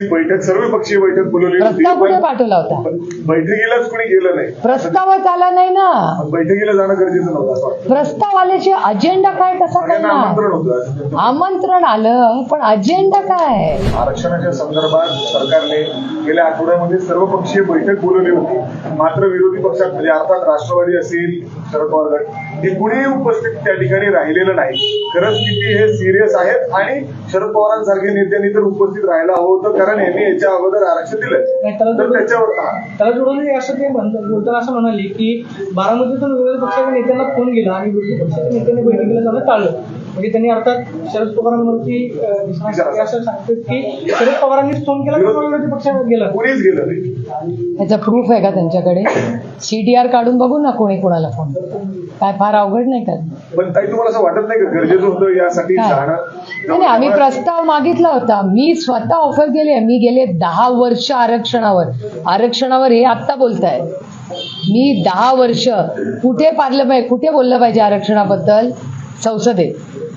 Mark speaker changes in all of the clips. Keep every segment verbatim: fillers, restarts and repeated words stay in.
Speaker 1: बैठक सर्वपक्षीय बैठक बोलवली होती.
Speaker 2: प्रस्ताव कुठे पाठवला होता?
Speaker 1: बैठकीलाच कोणी गेलं नाही.
Speaker 2: प्रस्तावच आला नाही ना.
Speaker 1: बैठकीला जाणं गरजेचं नव्हतं.
Speaker 2: प्रस्ताव आल्याचे अजेंडा काय कसा
Speaker 1: सगळ्यांना
Speaker 2: करणार?
Speaker 1: आमंत्रण होतं.
Speaker 2: आमंत्रण आलं पण अजेंडा काय?
Speaker 1: आरक्षणाच्या संदर्भात सरकारने गेल्या आठवड्यामध्ये सर्वपक्षीय बैठक बोलवली होती. मात्र विरोधी पक्षात म्हणजे अर्थात राष्ट्रवादी असेल, शरद पवार गट हे कुणीही उपस्थित त्या ठिकाणी राहिलेलं नाही. खरंच किती हे सिरियस आहेत आणि शरद पवारांसारख्या नेत्यांनी तर उपस्थित राहायला हवं होतं, कारण यांनी याच्या अगोदर आरक्षण दिलं. तर त्याच्यावर
Speaker 3: त्याला जोडून असं ते बोलताना असं म्हणाले की बारामतीतून विरोधी पक्षाच्या नेत्यांना फोन गेला आणि विरोधी पक्षाच्या नेत्यांनी बैठकीला जाणं टाळलं. म्हणजे त्यांनी अर्थात शरद पवारांवरती असं सांगतात की शरद पवारांनीच फोन केला किंवा विरोधी पक्षाने गेला.
Speaker 1: कुणीच गेलं नाही.
Speaker 2: त्याचा प्रूफ आहे का त्यांच्याकडे? सीडीआर काढून बघू ना कोणी कोणाला फोन. काय फार अवघड नाही का?
Speaker 1: पण ताई तुम्हाला असं वाटत नाही का गरजेचं होतं यासाठी जाणं?
Speaker 2: नाही, आम्ही प्रस्ताव मागितला होता. मी स्वतः ऑफर केली आहे. मी गेले दहा वर्ष आरक्षणावर आरक्षणावर हे आत्ता बोलताय. मी दहा वर्ष कुठे पाडलं पाहिजे, कुठे बोललं पाहिजे आरक्षणाबद्दल? संसदेत.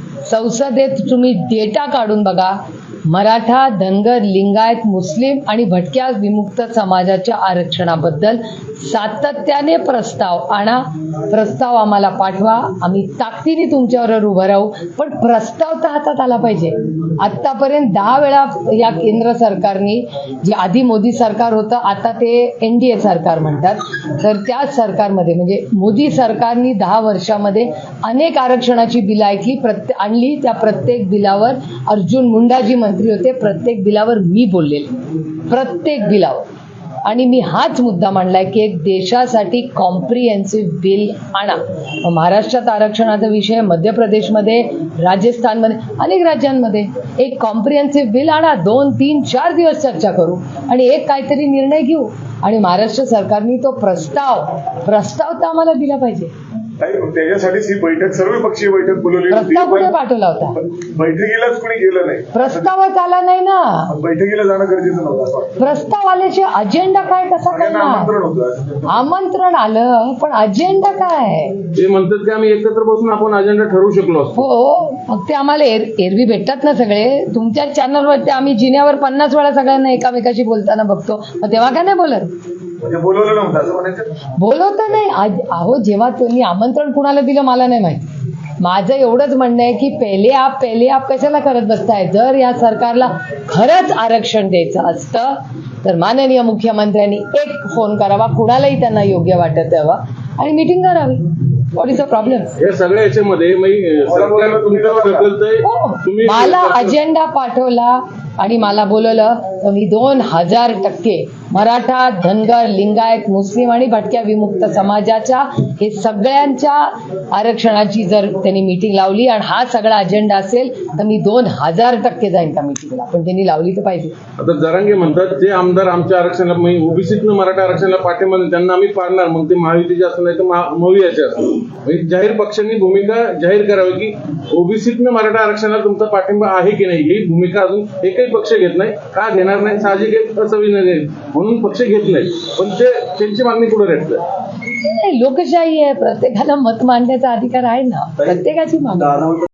Speaker 2: संसदेत तुम्ही डेटा काढून बघा. मराठा, धनगर, लिंगायत, मुस्लिम आणि भटक्या विमुक्त समाजाच्या आरक्षणाबद्दल सातत्याने प्रस्ताव आणा. प्रस्ताव आम्हाला पाठवा. आम्ही ताकदीने तुमच्यावर उभं राहू. पण प्रस्ताव तर हातात आला पाहिजे. आतापर्यंत दहा वेळा या केंद्र सरकारने, जे आधी मोदी सरकार होतं आता ते एन डी ए सरकार म्हणतात, तर त्या सरकारमध्ये म्हणजे मोदी सरकारने दहा वर्षामध्ये अनेक आरक्षणाची बिलं ऐकली प्रत्ये आणली. त्या प्रत्येक बिलावर अर्जुन मुंडाजी मंत्री होते. प्रत्येक बिलावर मी बोललेले, प्रत्येक बिलावर. आणि मी हाच मुद्दा मांडलाय की एक देशासाठी कॉम्प्रिहेन्सिव्ह बिल आणा. महाराष्ट्रात आरक्षणाचा विषय, मध्य प्रदेशमध्ये, राजस्थानमध्ये, अनेक राज्यांमध्ये एक कॉम्प्रिहेन्सिव्ह बिल आणा. दोन तीन चार दिवस चर्चा करू आणि एक काहीतरी निर्णय घेऊ. आणि महाराष्ट्र सरकारने तो प्रस्ताव प्रस्ताव तर आम्हाला दिला पाहिजे.
Speaker 1: त्याच्यासाठीच ही बैठक सर्वपक्षीय बैठक बोलवली होती.
Speaker 2: प्रस्ताव कुठे पाठवला होता?
Speaker 1: बैठकीलाच कोणी गेलं नाही.
Speaker 2: प्रस्तावच आला नाही ना.
Speaker 1: बैठकीला जाणं गरजेचं नव्हतं.
Speaker 2: प्रस्ताव आल्याचे अजेंडा काय कसा
Speaker 1: सगळ्यांना
Speaker 2: करणार?
Speaker 1: आमंत्रण होतं.
Speaker 2: आमंत्रण आलं पण अजेंडा काय?
Speaker 4: ते म्हणतात की आम्ही एकत्र बसून आपण अजेंडा ठरवू शकलो असतो.
Speaker 2: हो, मग ते आम्हाला एर एरवी भेटतात ना सगळे. तुमच्या चॅनलवरती आम्ही जिन्यावर पन्नास वेळा सगळ्यांना एकामेकाशी बोलताना बघतो. मग तेव्हा काय नाही बोलत?
Speaker 1: म्हणजे बोलवलं नव्हतं असं म्हणायचं?
Speaker 2: बोलवतं नाही. आज अहो, जेव्हा तुम्ही आमंत्रण कुणाला दिलं मला नाही माहिती. माझं एवढंच म्हणणं आहे की पहिले आप पहिले आप कशाला करत बसताय? जर या सरकारला खरंच आरक्षण द्यायचं असतं तर माननीय मुख्यमंत्र्यांनी एक फोन करावा, कुणालाही त्यांना योग्य वाटत यावं आणि मीटिंग करावी. What is the problem?
Speaker 4: या सगळ्या याच्यामध्ये मग सरकार तुमच्यावर ढकलतंय. तुम्ही
Speaker 2: मला अजेंडा पाठवला आणि मला बोलवलं तर मी दोन हजार टक्के मराठा, धनगर, लिंगायत, मुस्लिम आणि भटक्या विमुक्त समाजाच्या हे सगळ्यांच्या आरक्षणाची जर त्यांनी मीटिंग लावली आणि हा सगळा अजेंडा असेल तर मी दोन हजार टक्के जाईन त्या मीटिंगला. पण त्यांनी लावली तर पाहिजे.
Speaker 4: आता जरांगे म्हणतात जे आमदार आमच्या आरक्षणाला ओबीसीतनं मराठा आरक्षणाला पाठिंबा देतील त्यांना आम्ही पाडणार. मग ते महायुतीचे असं नाही तर मवियाचे असं. म्हणजे जाहीर पक्षांनी भूमिका जाहीर करावी की ओबीसीतनं मराठा आरक्षणाला तुमचा पाठिंबा आहे की नाही. ही भूमिका अजून एकही पक्ष घेत नाही. का घेणार नाही? साहजिक एक असंविधान म्हणून पक्ष घेत नाही. पण ते त्यांची मागणी पुढे रेटतं.
Speaker 2: लोकशाही आहे, प्रत्येकाला मत मांडण्याचा अधिकार आहे ना. प्रत्येकाची मागणी.